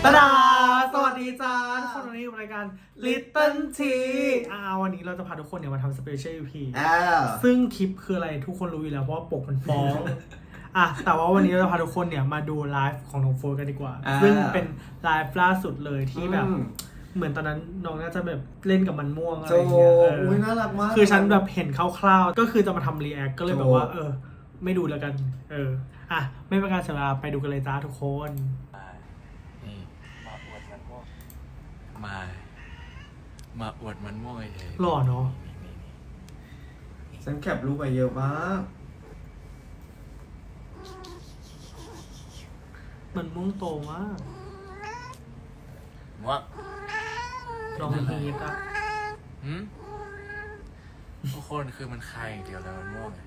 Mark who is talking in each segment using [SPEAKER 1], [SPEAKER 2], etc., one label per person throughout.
[SPEAKER 1] ดาสวัสดีจ้าทุกคนวันนี้อยู่รายการ Little T วันนี้เราจะพาทุกคนเนี่ยมาทำ Special EP ซึ่งคลิปคืออะไรทุกคนรู้อยู่แล้วเพราะว่าปกมันฟ้อง แต่ว่าวันนี้เราจะพาทุกคนเนี่ยมาดูไลฟ์ของน้องโฟร์กันดีกว่า ซึ่งเป็นไลฟ์ล่าสุดเลยที่แบบเหมือนตอนนั้นน้องน่าจะแบบเล่นกับมันม่วงอะไรอย่างเงี้ย
[SPEAKER 2] อุ้ยน่ารักมาก
[SPEAKER 1] คือฉันแบบเห็นคร่าวๆก็คือจะมาทำรีแอคก็เลยแบบว่าไม่ดูแล้วกันไม่เป็นการเสียเวลาไปดูกันเลยจ้าทุกคน
[SPEAKER 3] นี่มาอวดมันม่วงมาอวดมันม่วงเฉย
[SPEAKER 1] หล่อเนาะ
[SPEAKER 2] ฉันแคปรูปไปเยอะมาก
[SPEAKER 1] มันม่วงโตมาก
[SPEAKER 3] ม่วง
[SPEAKER 1] น้องฮีทอ่ะ
[SPEAKER 3] ทุกคนคือมันคายอย่างเดียวแล้วมันม่วง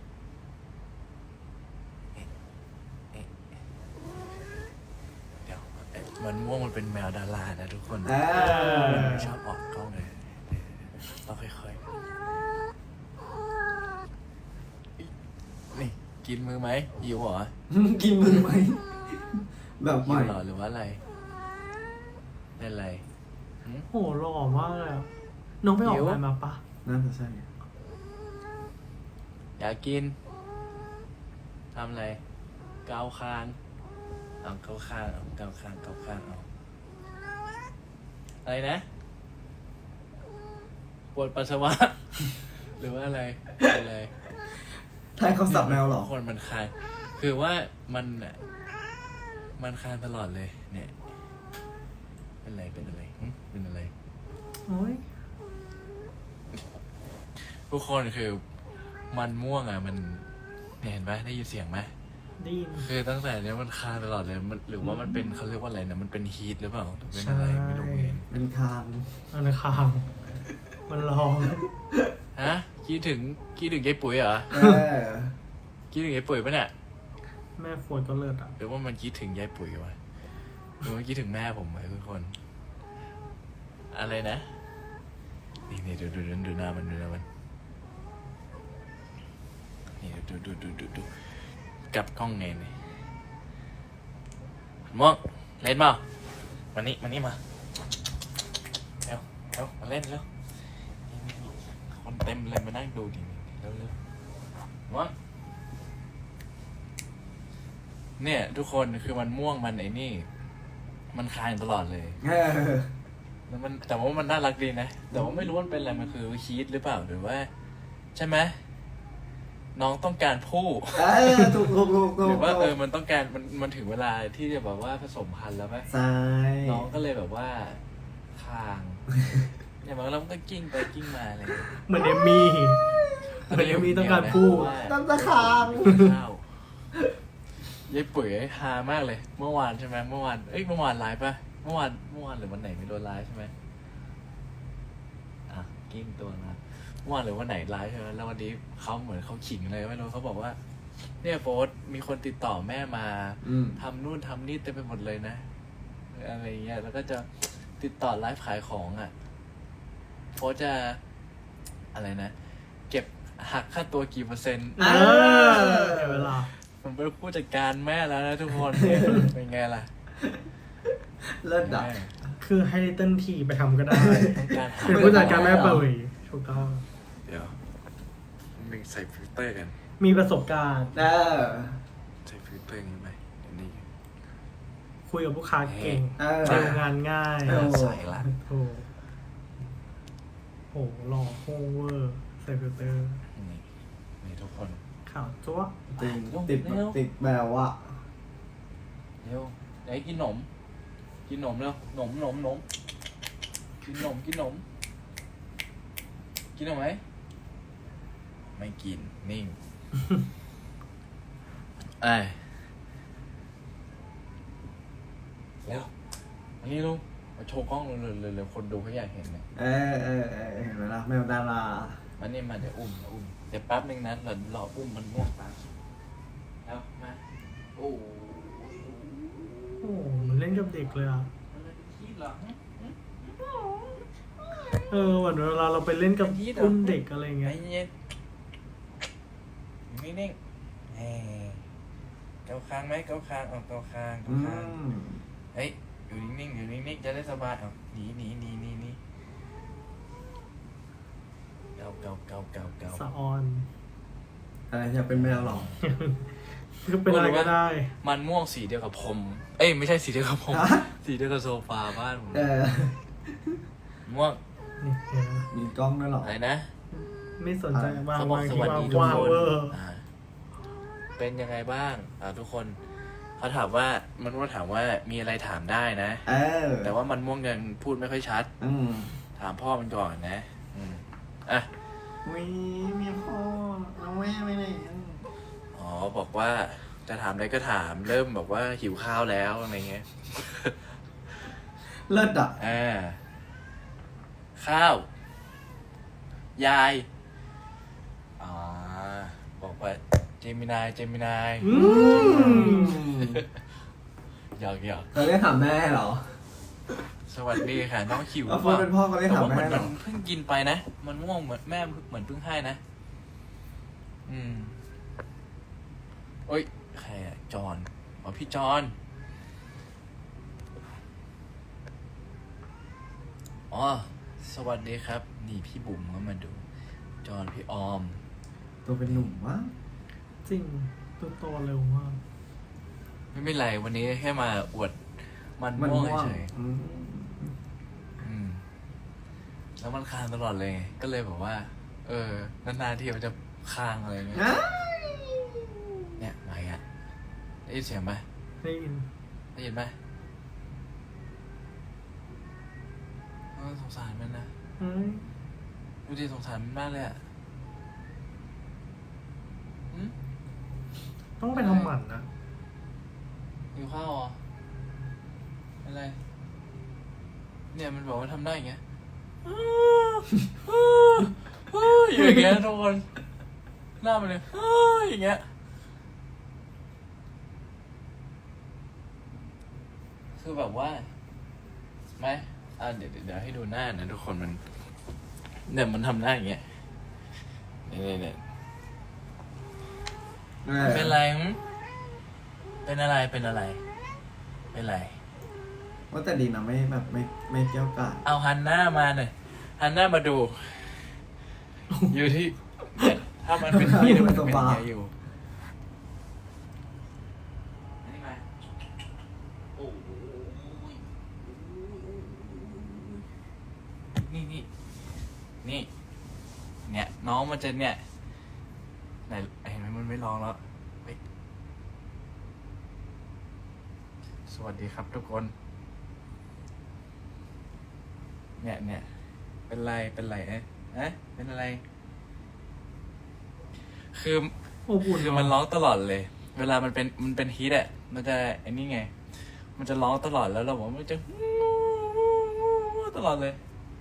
[SPEAKER 3] เดี๋ยวมันม่วงมันเป็นแมวดารานะทุกคนมันชอบออกกล้องเลยต้องค่อยๆนี่กินมือไหมหิวเหรอ
[SPEAKER 2] กินมือไหมแบบให
[SPEAKER 3] หิ
[SPEAKER 2] ม่
[SPEAKER 3] วเหรอหรือว่าอะไรเป็นอะไร
[SPEAKER 1] โหหล่อมากเลยอะน้องไปออกงานมาปะ
[SPEAKER 2] น่าจะใช่
[SPEAKER 3] อยากกินทำอะไรเกาคางเอาเกาคางเอาเกาคางเกาคางเอาอะไรนะปวดปัสสาวะ หรือว่าอะไรอะไร
[SPEAKER 2] ไทยเขาสับแมวเหรอ
[SPEAKER 3] คนมันคางคือว่ามันน่ะมันคางตลอดเลยเนี่ยเป็นอะไรเป็นอะไรเป็นอะไร
[SPEAKER 1] โอ้ย
[SPEAKER 3] ทุกคนคือมันม่วงอ่ะมันเห็นไหมได้ยินเสียงไหม
[SPEAKER 1] ได้ยิน
[SPEAKER 3] คือตั้งแต่เนี้ยมันคาตลอดเลยมันหรือว่ามันเป็นเขาเรียกว่าอะไรนะมันเป็นฮีทหรือเปล่าเป็นอะไรไม่รู้เห็น
[SPEAKER 2] เป็นคาง
[SPEAKER 1] อันคางมันร้อง
[SPEAKER 3] ฮะคิดถึงยายปุ๋ยเหรอคิดถึงยายปุ๋ยปะเนี่ย
[SPEAKER 1] แม่โฟนก็เลิศอ่ะ
[SPEAKER 3] หรือว่ามันคิดถึงยายปุ๋ยวะหรือว่าคิดถึงแม่ผมไหมทุกคน อะไรนะนี่ดูหน้ามันนี่ดูกลับกล้องไงเนี่ยม่วงเล่นเปล่ามานี่มาเร็วมาเล่นเร็วนี่คนเต็มเลยมานั่งดูดิเร็วม่วงเนี่ยทุกคนคือมันม่วงมันไอ้นี่มันคายตลอดเลยแล้วมันแต่ว่ามันน่ารักดีนะแต่ว่าไม่รู้มันเป็นอะไรมันคือฮีทหรือเปล่าหรือว่าใช่ไหมน้องต้องการผู้
[SPEAKER 2] ถูก
[SPEAKER 3] หรือว่ามันต้องการมันถึงเวลาที่จะแบบว่าผสมพันธุ์แล้วไหม
[SPEAKER 2] ใช่
[SPEAKER 3] น้องก็เลยแบบว่าคางอย่างบางแล้วมันก็กิ้งไปกิ้งมาอะไร
[SPEAKER 1] เหมือนเอมมี่ต้องการพูด
[SPEAKER 2] ตั้งตะคาง
[SPEAKER 3] ข้าวยายปุ๋ยฮามากเลย เมื่อวานใช่ไหมเมื่อวานไลฟ์ป่ะเมื่อวานหรือวันไหนไม่โดนไลฟ์ใช่ไหมกิ้งตัวนะเมื่อวานหรือวันไหนไลฟ์ใช่ไหมแล้ววันนี้เขาเหมือนเขาขิงเลยไม่รู้เขาบอกว่าเนี่ยโฟสมีคนติดต่อแม่มาทำนู่นทำนี่เต็มไปหมดเลยนะอะไรเงี้ยแล้วก็จะติดต่อไลฟ์ขายของโฟสจะอะไรนะเก็บหักค่าตัวกี่เปอร์เซ็นต์
[SPEAKER 1] เวลา
[SPEAKER 3] มันเป็นผู้จัดการแม่แล้วนะทุกคน เป็นไงล่ะ
[SPEAKER 2] เลิศดับ
[SPEAKER 1] คือให้ลิตเติ้ลทีไปทำก็ได้
[SPEAKER 3] ต้องการหา
[SPEAKER 1] เป็นผู้จัดการแม่เปิดถูกต้อง
[SPEAKER 3] เดี๋ยวมึงใส่ฟิลเตอร์กัน
[SPEAKER 1] มีประสบการณ์
[SPEAKER 3] ใส่ฟิลเตอร์กันไหมเดี๋ยวนี้
[SPEAKER 1] คุยกับลูกค้าเก่งเจองานง่าย
[SPEAKER 3] ใส่ละ
[SPEAKER 1] โหหล่อโฮเวอร์ใส่ฟิลเตอร์
[SPEAKER 3] นี่ทุกคน
[SPEAKER 1] ข่าวจั๊ว
[SPEAKER 2] จริงติดแมวอ่ะ
[SPEAKER 3] เร็วไหนกินหนมเร็วหนมกินหนมกินหนมไหมไม่กินนิ่งเร็วอันนี้ลุงมาโชว์กล้องเลยคนดูเขาอยากเห็นเนี่ย
[SPEAKER 2] เห็นไหมล่ะแมวดารา
[SPEAKER 3] มันนี่มาเดี๋ยวอุ้มเดี๋ยวแป๊บนึงนะรออุ้มมันม่วงตาแล้วมาโอ้
[SPEAKER 1] โอ้มันเล่นกับเด็กเลยอ่ะ
[SPEAKER 3] มันเป็นขี้เหรอ
[SPEAKER 1] เหมือนเวลาเราไปเล่นกับอุ้มเด็กอะไรเงี้ย
[SPEAKER 3] เย็นนิ่งเกาคางไหมเกาคางเกาคางเฮ้ยอยู่นิ่งๆอยู่นิ่งๆจะได้สบายเอาหนีเกา
[SPEAKER 1] สะออน
[SPEAKER 2] อะไรอยากเป็นแมวหรอ
[SPEAKER 1] คือเป็นอะไรก็ได้
[SPEAKER 3] มันม่วงสีเดียวกับผมเอ้ยไม่ใช่สีเดียวกับผม
[SPEAKER 2] ฮะ
[SPEAKER 3] สีเดียวกับโซฟาบ้านผม ม่วง
[SPEAKER 1] นี่เห็นไหม
[SPEAKER 2] มีกล้องด้วยหรอ
[SPEAKER 3] อะไรนะ
[SPEAKER 1] ไม่สนใจวาง
[SPEAKER 3] เขาบอก
[SPEAKER 1] วาง
[SPEAKER 3] ส
[SPEAKER 1] ที่
[SPEAKER 3] วัส
[SPEAKER 1] วาง
[SPEAKER 3] ดีทุก
[SPEAKER 1] วาง
[SPEAKER 3] คน
[SPEAKER 1] เวอร์
[SPEAKER 3] เป็นยังไงบ้างทุกคนเขาถามว่ามันม่วงถามว่ามีอะไรถามได้นะ แต่ว่ามันม่วงยังพูดไม่ค่อยชัด ถามพ่อมันก่อนนะอ่ะ
[SPEAKER 2] มีพ่อน้องแม่ไปไหน
[SPEAKER 3] อ๋อบอกว่าจะถามอะไรก็ถามเริ่มบอกว่าหิวข้าวแล้วอะไรเงี้ย
[SPEAKER 2] เลิศอ่ะ
[SPEAKER 3] ข้าว ยายบอกว่าเจมินายหยอก
[SPEAKER 2] เราเรียกถามแม่เหรอ
[SPEAKER 3] สวัสดีค่ะน้องหิว
[SPEAKER 2] เอาเฟิร์นเป็นพ่อเขาเรียก
[SPEAKER 3] แต่
[SPEAKER 2] ถาม
[SPEAKER 3] ว่าเหมื
[SPEAKER 2] แม่
[SPEAKER 3] อน
[SPEAKER 2] เหร
[SPEAKER 3] มัน
[SPEAKER 2] อ
[SPEAKER 3] เพิ่งกินไปนะมันม่วงเหมือนแม่เหมือนเพิ่งให้นะโอ้ยใครอะจอนพี่จอนสวัสดีครับ นี่พี่บุ๋มก็มาดู จอนพี่ออม
[SPEAKER 2] ตัวเป็นหนุ่มวะ
[SPEAKER 1] จริงตัวโตเร็วมาก
[SPEAKER 3] ไม่เป็นไรวันนี้แค่มาอวดมันม่วงเฉยแล้วมันคางตลอดเลย ก็เลยบอกว่า นานๆที่มันจะคางอะไรเงี้ยเนี่ยมาอีกอ่ะได้ยินเสียงไหม
[SPEAKER 1] ได้ยิน
[SPEAKER 3] ได้ยินไหมสงสารมันนะ
[SPEAKER 1] เฮ้ย
[SPEAKER 3] ดูดิสงสารมันมากเลยอ่ะ
[SPEAKER 1] ต้องไปทำหมันนะ
[SPEAKER 3] หิวข้าวเหรออะไร เนี่ยมันบอกว่าทำได้อย่างเงี้ยอยู่อย่างเงี้ยทุกคนหน้ามันเลยอย่างเงี้ยคือแบบว่าไหมเดี๋ยวให้ดูหน้านะทุกคนมันเนี่ยมันทำหน้าอย่างเงี้ยเนี่ยเป็นไรเป็นอะไรเป็นไร
[SPEAKER 2] ว่าแต่ดีนะไม่แบบไม่เกี่ยวกาด
[SPEAKER 3] เอาหันหน้ามาหน่อยหันหน้ามาดู อยู่ที่เนี่ยถ้ามันเป็นที่เนี่ยมันจะเป็นยังไงอยู่นี่มาโอ้ยนี่เนี่ยน้องมันจะเนี่ยไหนเห็นไหมมันไม่ร้องแล้วเฮ้ยสวัสดีครับทุกคนเนี่ยเป็นไรเป็นอะไรคือ
[SPEAKER 1] อบอุ่น
[SPEAKER 3] คือมันร้องตลอดเลย เวลามันเป็นฮีทอ่ะมันจะไอ้นี่ไงมันจะร้องตลอดแล้วเราบอกว่ามันจะตลอดเลย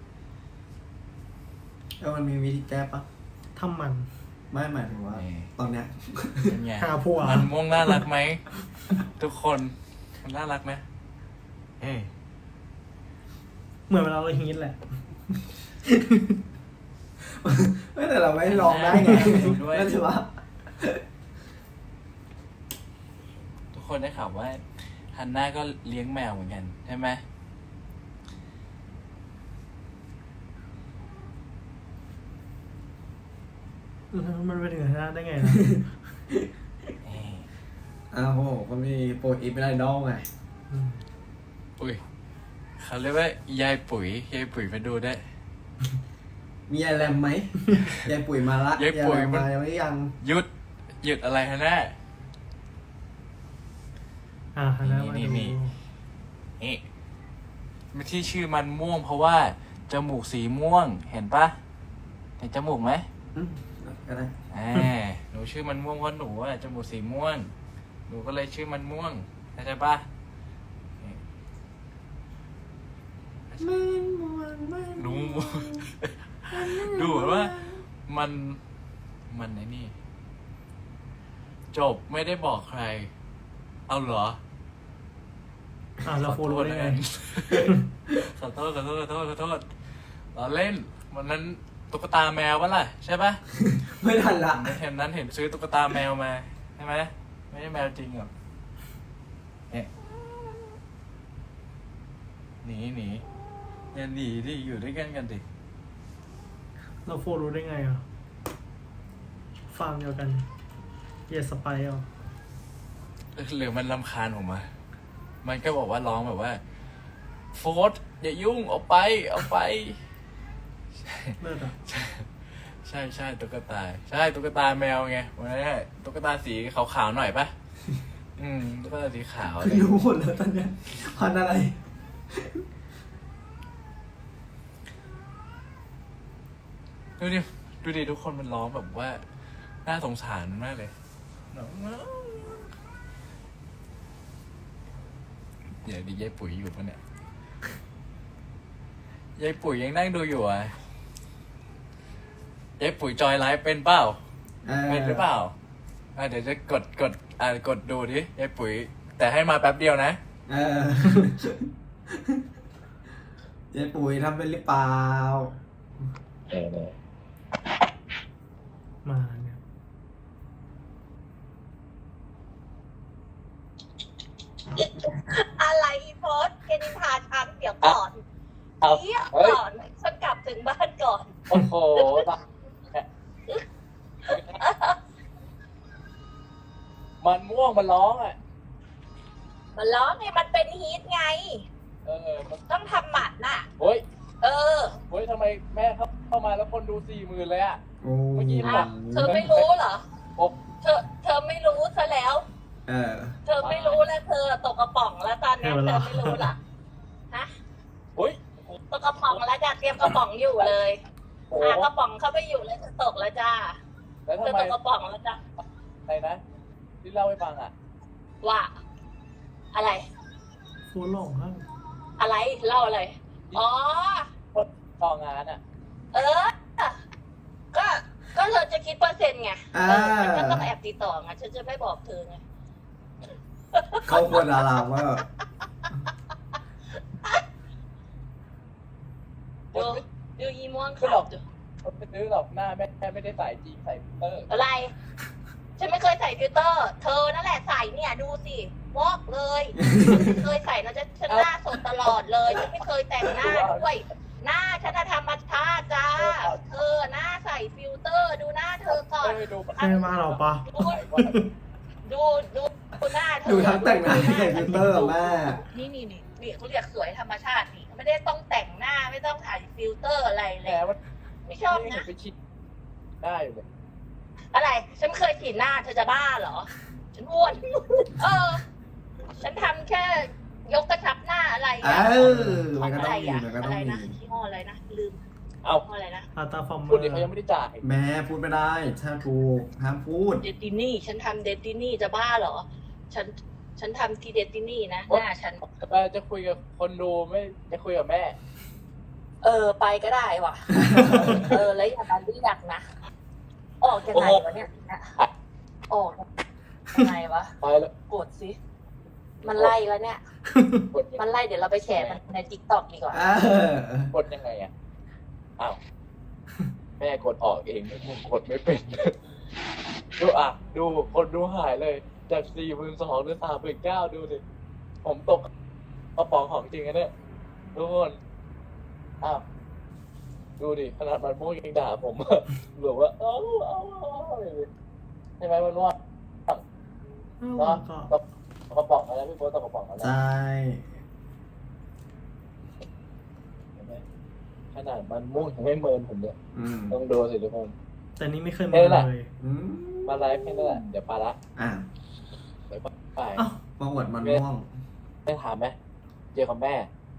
[SPEAKER 2] แล้วมันมีวิธีแก้ปะ
[SPEAKER 1] ทำหมัน
[SPEAKER 2] ไม่หมายถึงว่า ตอนเนี้ย
[SPEAKER 3] เป็นไง
[SPEAKER 1] หาผัว
[SPEAKER 3] มันม่วงน่ารักไหมทุกคนมันน่ารักไหมเอ้ย
[SPEAKER 1] เหมือนเวลาเราฮีทแหละ
[SPEAKER 2] ไม่แต่เราไม่ร้องได้ไงนั่นถือว่า
[SPEAKER 3] ทุกคนได้ข่าวว่าฮันน่าก็เลี้ยงแมวเหมือนกันใช่ไหม
[SPEAKER 1] มันไปถึงขนาดได้ไงนะ
[SPEAKER 2] อ้าวโหก็มีโปรอีฟเป็นไอดอลไง
[SPEAKER 3] อุ้ยเขาเรียกว่ายายปุ๋ยมาดูได้
[SPEAKER 2] มียายแรมไหม ยายปุ๋ยมาละ
[SPEAKER 3] ยายปุ๋ย
[SPEAKER 2] แรม
[SPEAKER 3] มัน
[SPEAKER 2] มายังไม่ยัง
[SPEAKER 3] หยุดอะไรฮะแน่
[SPEAKER 1] หันหน้ามาดู
[SPEAKER 3] นี่มันที่ชื่อมันม่วงเพราะว่าจมูกสีม่วงเห็นปะเห็นจมูกไหม
[SPEAKER 2] ก็ได้
[SPEAKER 3] หนูชื่อมันม่วงเพราะหนูอะจมูกสีม่วงหนูก็เลยชื่อมันม่วงเข้าใจปะดูดูเหมือนว่ามันไอ้นี่จบไม่ได้บอกใคร เอาเหรอ
[SPEAKER 1] เราโฟรู้ได้ไง
[SPEAKER 3] ขอโทษเราเล่นวันนั้นตุ๊กตาแมวปะล่ะใช่ปะ
[SPEAKER 2] ไม่ทันละ
[SPEAKER 3] เห็นนั้นเห็นซื้อตุ๊กตาแมวมาใช่ไหมไม่ใช่แมวจริงหรอกเนี่ยหนีอย่าหนีดิอยู่ด้วยกันดิ
[SPEAKER 1] เราโฟรู้ได้ไงอ่ะฟังเดียวกันเยสไปอ่ะ
[SPEAKER 3] หรือมันรำคาญผมอะมันก็บอกว่าร้องแบบว่าโฟร์ธอย่ายุ่งเอาไป
[SPEAKER 1] เลิศอ่ะ
[SPEAKER 3] ใช่ตุ๊กตาใช่ตุ๊กตาแมวไงวันนี้ตุ๊กตาสีขาวๆหน่อยปะตุ๊กตาสีขาวอะไร
[SPEAKER 2] รู้หมดแล้วตอนเนี้ยพันอะไร
[SPEAKER 3] ดูดิทุกคนมันร้องแบบว่าน่าสงสารมากเลยเดี๋ยวดิยายปุ๋ยอยู่ปะเนี่ยยายปุ๋ยยังนั่งดูอยู่อ่ะยายปุ๋ยจอยไลฟ์เป็นเปล่าเป็นหรือเปล่าเดี๋ยวจะกดดูดิยายปุ๋ยแต่ให้มาแป๊บเดียวนะ
[SPEAKER 2] ยายปุ๋ยทำเป็นหรือเปล่า
[SPEAKER 1] มาเนี่ย
[SPEAKER 4] อะไรอีโพสแกนินทาฉันเดี๋ยวก่อนเดี๋ยวก่อนฉันกลับถึงบ้านก่อน
[SPEAKER 3] โอ้โหมันม่วงมันร้องอ่ะ
[SPEAKER 4] มันร้องไงมันเป็นฮีทไง
[SPEAKER 3] มัน
[SPEAKER 4] ต้องทำหมัดน่ะ
[SPEAKER 3] เฮ้ย
[SPEAKER 4] เออ
[SPEAKER 3] ทำไมแม่เข้ามาแล้วคนดู 40,000เลยอ่ะ
[SPEAKER 2] โอ้
[SPEAKER 3] เมื่อกี้
[SPEAKER 4] อ้าวเธอไม่รู้เหรอ
[SPEAKER 3] โอ้
[SPEAKER 4] เธอไม่รู้ซะแล้ว เธอไม่รู้แล้วเธอตกกระป๋องแล้วตอนนี้เธอไม่รู้เหรอฮะ
[SPEAKER 3] เฮ้ย
[SPEAKER 4] ตกกระป๋องแล้วจ้ะเตรียมกระป๋องอยู่เลยกระป๋องเข้าไปอยู่เลยเธอตกแล้วจ้า
[SPEAKER 3] แล้ว
[SPEAKER 4] เธ
[SPEAKER 3] ทำ
[SPEAKER 4] อ
[SPEAKER 3] ไม
[SPEAKER 4] ตกกระป๋องแล้วจ้ะ
[SPEAKER 3] ใครนะที่เล่าให้ฟังอ่ะ
[SPEAKER 4] ว่า อะไร
[SPEAKER 1] โฟหลงฮะ
[SPEAKER 4] อะไรเล่าอะไรอ๋อ
[SPEAKER 3] คนต่องานอ่ะ
[SPEAKER 4] เออ ก็เธอจะคิดเปอร์เซ็นต์ไงฉันก็ต้องแอบติดต่อไงฉันจะไม่บอกเธอไง
[SPEAKER 2] เขาควรดาราว่า
[SPEAKER 4] ดูอีม่วง
[SPEAKER 3] ไม่หร
[SPEAKER 4] ขา
[SPEAKER 3] อ
[SPEAKER 4] ว
[SPEAKER 3] ก คนไปซื้อหรอกหน้าแม่ไม่ได้ใส่จริงใส่ฟิลเตอร์
[SPEAKER 4] อะไร ฉันไม่เคยใส่ฟิลเตอร์ เธอนั่นแหละใส่เนี่ยดูสิวอกเลยฉันเคยใส่นะฉันหน้าสดตลอดเลยฉันไม่เคยแต่งหน้าด้วยหน้าฉันธรรมชาติจ้าเธอหน้าใส่ฟิลเตอร์ ดูหน้าเธอก่อน
[SPEAKER 3] ดู
[SPEAKER 1] ใช่มาหรอปะ
[SPEAKER 4] ดูหน้าเธอ
[SPEAKER 2] ดูทั้งแต่งหน้าที่ใส่ฟิลเตอร์อะแม่
[SPEAKER 4] นี่เขาเรียกสวยธรรมชาตินี่ไม่ได้ต้องแต่งหน้าไม่ต้องถ่ายฟิลเตอร์อะไรเล
[SPEAKER 3] แห
[SPEAKER 4] ย
[SPEAKER 3] มว่า
[SPEAKER 4] ไม่ชอบนะ
[SPEAKER 3] ไปชิดได้อยู่เลย
[SPEAKER 4] อะไร ฉันเคยฉีดหน้าเธอจะบ้าเหรอ ฉันอ้วน ฉันทำแค่ยกกระชับหน้าอะไร
[SPEAKER 2] มันก็
[SPEAKER 4] อะ
[SPEAKER 2] ต้
[SPEAKER 4] ไร
[SPEAKER 2] องมี
[SPEAKER 4] อะ
[SPEAKER 2] มันก็
[SPEAKER 4] อะ
[SPEAKER 2] ต้อ
[SPEAKER 4] ไรง นะ
[SPEAKER 2] มี
[SPEAKER 4] ยี่ห้ออะไรนะลืม
[SPEAKER 3] เอา
[SPEAKER 4] ยี่ห้ออะไรนะ
[SPEAKER 1] อาตาฟอร์เม
[SPEAKER 3] พู
[SPEAKER 1] อ
[SPEAKER 3] ดดิเขา
[SPEAKER 1] ร์
[SPEAKER 3] ยังไม่ได้จ่าย
[SPEAKER 2] แม่พูดไม่ได้ถ้าถูกห้ามพูด
[SPEAKER 4] เดตินี่ฉันทำเดตินี่จะบ้าเหรอ ฉันทำที่เดตินี่นะหน้าฉัน
[SPEAKER 3] จะคุยกับคนดูไม่จะคุยกับแม่
[SPEAKER 4] ไปก็ได้ว่ะ แล้วอย่ามาเรียกนะ ออกยังไงวะเนี่ยนะออกยังไงวะ
[SPEAKER 3] ไปแล้ว
[SPEAKER 4] กดสิ มันไล่แล้วเนี่ย
[SPEAKER 3] กด
[SPEAKER 4] มันไล่เดี๋ยวเราไปแชร์มันในติ๊กต็อกดีกว่า
[SPEAKER 3] กดยังไงอ่ะอ้าวแม่กดออกเองผมกดไม่เป็นดูดูคนดูหายเลยจาก42,000เหลือ39,000ดูสิผมตกกระป๋องของจริงนะเนี่ยทุกคนดูดิขนาดมันม่วงยังด่าผมหรือว่าเอาใช่ไหมมันว่า
[SPEAKER 1] ก็
[SPEAKER 3] กระป๋องอะไรพี่โบ๊ทตกกระป๋องอะไร
[SPEAKER 2] ใช่
[SPEAKER 3] ขนาดมันม่วงยังไม่เมินผมเลยต้องดูสิทุกคน
[SPEAKER 1] แต่นี่ไม่เคยมาเลย
[SPEAKER 3] มาไลฟ์แค่นั้นแหละเดี๋ยวไปละ เดี๋ยวไป
[SPEAKER 2] ประวัติมันม่วง
[SPEAKER 3] ได้ถามไหมเจอกับแม่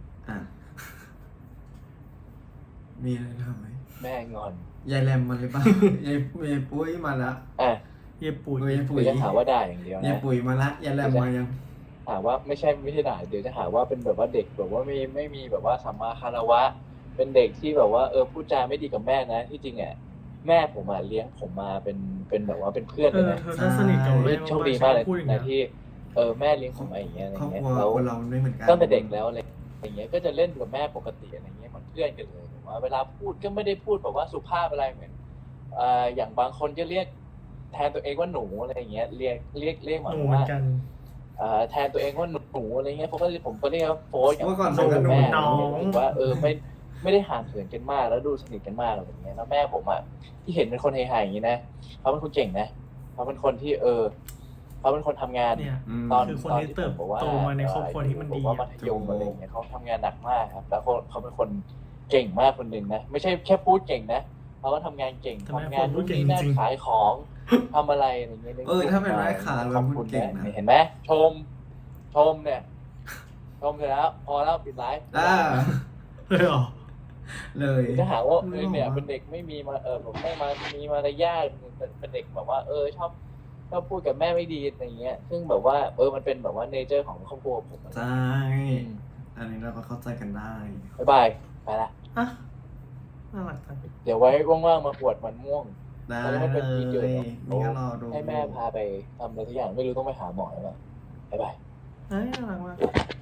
[SPEAKER 2] มีอะไรทำไหม
[SPEAKER 3] แม่งอน
[SPEAKER 2] ยายแรมมันหรือเปล่ายายปุ้ยมาละ
[SPEAKER 1] เย็บปุ๋ย
[SPEAKER 2] ยายปุ๋
[SPEAKER 3] เดี๋
[SPEAKER 2] ย
[SPEAKER 3] ยวจะหาว่าด่าอย่างเดียวย
[SPEAKER 2] าย
[SPEAKER 3] นะ
[SPEAKER 2] ปุ๋ยมาละยายแรมมายัง
[SPEAKER 3] หาว่าไม่ใช่ด่าเดี๋ยวจะหาว่าเป็นแบบว่าเด็กแบบว่าไม่มีแบบว่าสัมมาคารวะ เป็นเด็กที่แบบว่าพูดจาไม่ดีกับแม่นะที่จริงแม่ผมเลี้ยงผมมาเป็นแบบว่าเป็นเพื่อนเลยนะ
[SPEAKER 1] เธอถ้าสนิทกับแม่
[SPEAKER 3] โชคดีมากเลย
[SPEAKER 1] พูดอย่าง
[SPEAKER 3] นะ
[SPEAKER 1] เงี้ย
[SPEAKER 3] ที่แม่เลี้ยงผมมาอย่างเงี้ยอะไร
[SPEAKER 2] ครอบ
[SPEAKER 3] เงี้
[SPEAKER 2] ค
[SPEAKER 3] ย
[SPEAKER 2] รัว
[SPEAKER 3] แล้ว
[SPEAKER 2] คนเราไม่เหมือนกัน
[SPEAKER 3] ตั้งแต่เด็กแล้วอะไรอย่างเงี้ยก็จะเล่นกับแม่ปกติอะไรเงี้ยเหมือนเพื่อนกันเลยว่าเวลาพูดก็ไม่ได้พูดแบบว่าสุภาพอะไรเหมือนอย่างบางคนจะเรียกแทนตัวเองว่าหนูอะไรอย่างเงี้ยเรียกเหมื
[SPEAKER 1] ห
[SPEAKER 3] อน
[SPEAKER 1] นูเหมือ
[SPEAKER 3] ว่าน
[SPEAKER 1] กัน
[SPEAKER 3] แทนตัวเองว่าหนูอะไรเงี้ยผมก็เรียกว่าโฟสกับ
[SPEAKER 2] เมื่อก่อน
[SPEAKER 3] โฟสกับแม่
[SPEAKER 1] น้อง
[SPEAKER 3] ผมว่าไม่ได้ห่างเหินกันมากแล้วดูสนิทกันมากอะไรอย่างเงี้ยแล้วแม่ผมอ่ะที่เห็นเป็นคนเฮฮาอย่างนี้นะเขาเป็นคนเก่งนะเขาเป็นคนที่เขาเป็นคนทำงาน
[SPEAKER 1] เนี่ย
[SPEAKER 3] ตอน
[SPEAKER 1] คือคนที่
[SPEAKER 3] ผม
[SPEAKER 1] เติบ
[SPEAKER 3] บอกว่า
[SPEAKER 1] โตมาในครอบครัวที่มันดี
[SPEAKER 3] ผมว่ามัธยมอะไรอย่างเงี้ยเขาทำงานหนักมากครับแล้วเขาเป็นคนเก่งมากคนหนึ่งนะไม่ใช่แค่พูดเก่งนะเขาก็ทำงานเก่ง
[SPEAKER 1] แต่แม่
[SPEAKER 3] ทำงาน
[SPEAKER 1] พูดเก่ง
[SPEAKER 3] นี่นั่น
[SPEAKER 1] จริง
[SPEAKER 3] ขายของทำอะไรอะไรเงี้ย
[SPEAKER 2] ถ้าเป็นแม่ค้าเรา
[SPEAKER 3] ขอบ
[SPEAKER 2] พู
[SPEAKER 3] คุ
[SPEAKER 2] ด
[SPEAKER 3] ณ
[SPEAKER 2] เก่งนะ
[SPEAKER 3] เห็นไหมชมเนี่ยชมเสร็จแล้วพอแล้วปิดไลฟ์
[SPEAKER 1] เลยเหรอ
[SPEAKER 2] เลย
[SPEAKER 3] จะหาว่า
[SPEAKER 1] ไม่หรอก
[SPEAKER 3] เนี่ยเป็นเด็กไม่มีมาผมไม่มามีมารยาทเป็นเด็กแบบว่าชอบพูดกับแม่ไม่ดีอะไรเงี้ย ซึ่งแบบว่ามันเป็นแบบว่าเนเจอร์ของครอบครัวผมอะ
[SPEAKER 2] ใช่อันนี้เราก็เข้าใจกันได้
[SPEAKER 3] บ๊ายบายไปละ
[SPEAKER 1] อ่ะน่ารักจัง
[SPEAKER 3] เดี๋ยวไว้ว่างๆมาปวดมันม่วง
[SPEAKER 2] ได้
[SPEAKER 3] มันไม่เป็นที่เกิดหรอก
[SPEAKER 2] นี่ก็รอดู
[SPEAKER 3] ให้แม่พาไปทำอะไรทุกอย่างไม่รู้ต้องไปหาหมอหรือเปล่าบ๊ายบาย
[SPEAKER 1] เอ้ยน่ารักมาก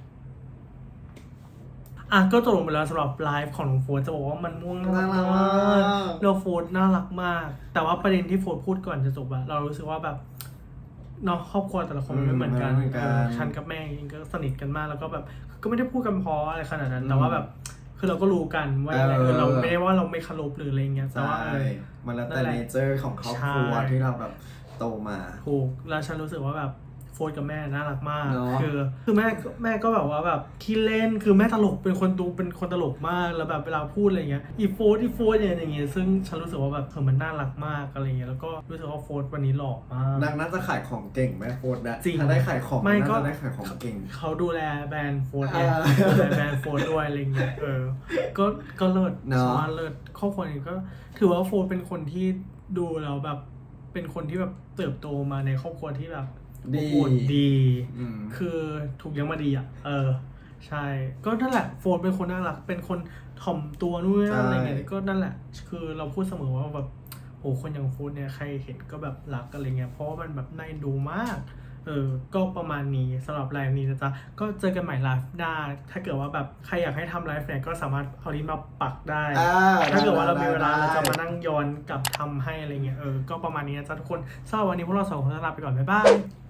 [SPEAKER 1] อ่ะก็จบลงไปแล้วสำหรับไลฟ์ของน้องโฟร์จะบอกว่ามันม่วงน่ารัก
[SPEAKER 2] น่ารัก
[SPEAKER 1] มาม
[SPEAKER 2] าก ก
[SPEAKER 1] เราโฟร์น่ารักมาก แต่ว่าประเด็นที่โฟร์พูดก่อนจะจบอะเรารู้สึกว่าแบบเนาะครอบครัวแต่ละคนมันไม่เหมือนกัน
[SPEAKER 2] ไม่เหมือนกัน
[SPEAKER 1] ฉันกับแม่เองก็สนิทกันมากแล้วก็แบบก็ไม่ได้พูดกันเพราะอะไรขนาดนั้น แต่ว่าแบบคือเราก็รู้กันว่ายังไงเราไม่ได้ว่าเราไม่เคารพหรืออะไรเงี้ยแต่
[SPEAKER 2] ใช่
[SPEAKER 1] ว่า
[SPEAKER 2] มันแล้ว
[SPEAKER 1] นั่
[SPEAKER 2] แต่
[SPEAKER 1] นแหละ
[SPEAKER 2] เนเจอร์ของครอบครัว
[SPEAKER 1] ใช่
[SPEAKER 2] ที่เราแบบโตมา
[SPEAKER 1] ถูกแล้วฉันรู้สึกว่าแบบโฟร์กับแม่น่ารักมาก
[SPEAKER 2] เนอะ
[SPEAKER 1] คือแม่ก็แบบว่าแบบขี้เล่นคือแม่ตลกเป็นคนตลกมากแล้วแบบเวลาพูดอะไรเงี้ยอีโฟร์อย่างเงี้ยซึ่งฉันรู้สึกว่าแบบมันน่ารักมากอะไรเงี้ยแล้วก็รู้สึกว่าโฟร์วันนี้หล่อมาก
[SPEAKER 2] นางน่าจะขายของเก่งแม่โฟดนะ
[SPEAKER 1] จริง
[SPEAKER 2] ถ้าได้ขายของ
[SPEAKER 1] ไม่ก็
[SPEAKER 2] น่าจะได้ขายของเก่ง
[SPEAKER 1] เขาดูแลแบรนด์โฟร์เนี่ย
[SPEAKER 2] อ่า
[SPEAKER 1] ดูแลแบรนด์โฟร์ด้วยอะไรเงี้ยก็เลิศ
[SPEAKER 2] เนอะ
[SPEAKER 1] สามารถเลิศครอบครัวนี้ก็ถือว่าโฟร์เป็นคนที่ดูแล้วแบบเป็นคนที่แบบเติบโตมาในครอบครัวที่แบบ
[SPEAKER 2] ดี
[SPEAKER 1] อบอุ่นดี
[SPEAKER 2] อืม
[SPEAKER 1] คือถูกเลี้ยงมาดีอ่ะ ใช่ ก็นั่นแหละโฟนเป็นคนน่ารัก เป็นคนถ่อมตัวนู่นนนั่นอะไรเงี้ย ก็นั่นแหละ คือเราพูดเสมอว่าแบบโหคนอย่างโฟนเนี่ยใครเห็นก็แบบรักอะไรเงี้ย เพราะว่ามันแบบน่าเอ็นดูมาก ก็ประมาณนี้สำหรับไลฟ์นี้นะจ๊ะ ก็เจอกันใหม่ไลฟ์หน้า ถ้าเกิดว่าแบบใครอยากให้ทำไลฟ์เนี่ยก็สามารถเอาลิงก์มาปักได้ ถ้าเกิดว่าเรามีเวลาเราจะมานั่งย้อนกลับทำให้อะไรเงี้ย ก็ประมาณนี้นะจ๊ะทุกคนสำหรับวันนี้พวกเราสองคนลาไปก่อน บ๊ายบาย